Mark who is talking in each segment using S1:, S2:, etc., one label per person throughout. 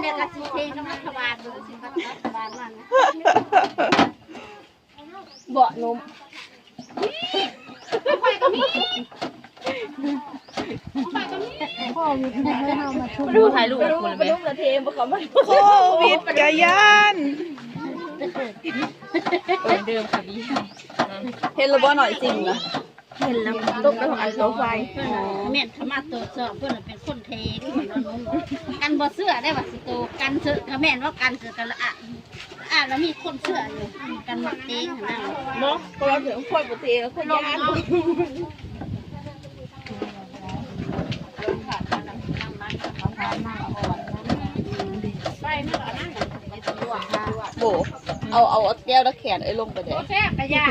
S1: เนี่ยกระสีเพลงน้ำรัฐบาลดูสิรัฐบาลนั่นเบาะนมไปก็มีพ่อมีให้เรามาชุบดูถ่ายรูปคนเลยลูกละเทมเขาไม่โค
S2: วิดกะยาน
S1: เดิมค่ะพี่
S2: เห็นระบบหน่อยจริงนะ
S1: เห็นแล้ว
S2: ตุ๊กไปของอันเสาไฟ
S1: เมียนธรรมะตัวเสือเพื่อนเป็นคนเทกันบ่เสื้อได้ว่าสิโตกันเสือกับแม่นว่ากันเสือกันละแล้วมีคนเสื้ออยู่กันหมักเองนั่น
S2: เนาะก็เราถึงคนปกติแล้วคนยานโบเอาแก้วแล้วแขนไอ้ลงไปเลย
S1: แซ่บกระยา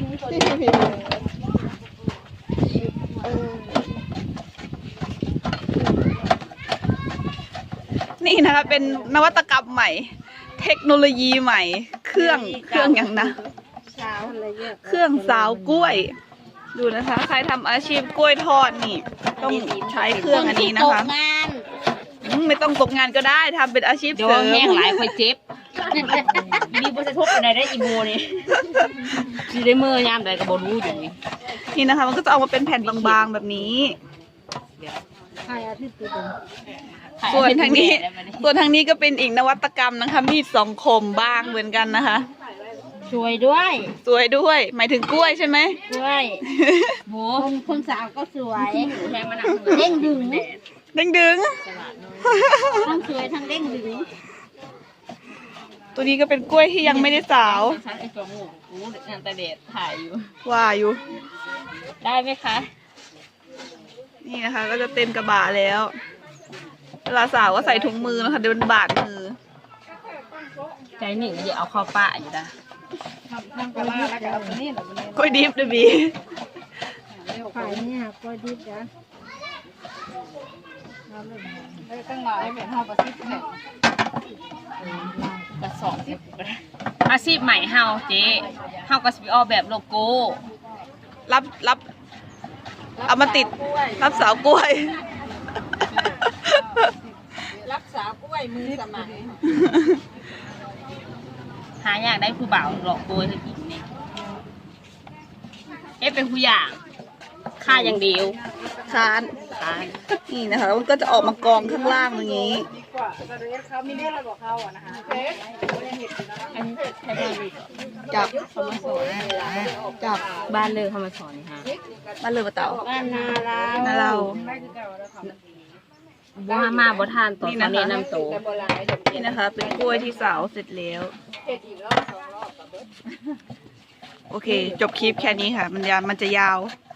S2: นี่นะคะเป็นนวัตกรรมใหม่เทคโนโลยีใหม่เครื่องอย่างนะเครื่องสาวกล้วยดูนะคะใครทำอาชีพกล้วยทอดนี่ต้องใช้เครื่องอันนี้นะคะไม่ต้องตกงานก็ได้ทำเป็นอาชีพเสริม
S1: แห้งหลายคอยเจ็บมีบริษัทอะไรได้อีโมนี่ซีได้เมื่อยามใดก็บรู้อยู่
S2: นี่นะคะมันก็จะออกมาเป็นแผ่นบางๆแบบนี้ส่วนทางนี้ก็เป็นอีกนวัตกรรมนะคะมีดสองคมบ้างเหมือนกันนะคะ
S1: สวยด้วย
S2: หมายถึงกล้วยใช่ไหม
S1: กล้วยโหคนสาวก็สวยเด้งดึงทั้งสวยทั้งเด้งดึง
S2: ตัวนี้ก็เป็นกล้วยที่ยังไม่ได้สาว
S1: ไอ้ตัวงูงานตะเดดถ่ายอยู่
S2: ว่าอยู่
S1: ได้ไหมคะ
S2: นี่นะคะก็จะเต็มกระบะแล้วเวลาสาวก็ใส่ถุงมือนะคะเดี๋ยวมันบาดมือ
S1: ใจหนึ่งจะเอาเข้าป้าอยู่นะ
S2: กล้วยดิบด้วยบี
S1: ขายเนี่ยกล้วยดิบนะต้องมาให้เป็นห้องประสิทธิ์แบบกระสอบอาชีพใหม่เฮาเจ๊เฮาก็สิออกแบบโลโก้
S2: รับเอามาติดรับสาวกล้วย
S1: รับสาวกล้วยมือสมัยหาอยากได้ผู้บ่าวหลอกโกยให้กินนี่เป็นผู้อย่างค่าอย่างเดียว
S2: ค้านนี่นะคะมันก็จะออกมากองข้างล่างอย่างนี้
S1: เขามีเรื่องอะไรบอกเขาอ่ะนะคะอันนี้ใช้บ้านเลย
S2: จับ
S1: เขามาสอน
S2: จับ
S1: บ้านเลยเขามาสอนค่ะ
S2: บ้านเลยปะเต่า
S1: บ้านนา
S2: เรา
S1: บ่มาบ่ทานต่อตอนนี้น้ำโต
S2: นี่นะคะเป็นกล้วยที่สาวเสร็จแล้วโอเคจบคลิปแค่นี้ค่ะมันจะยาว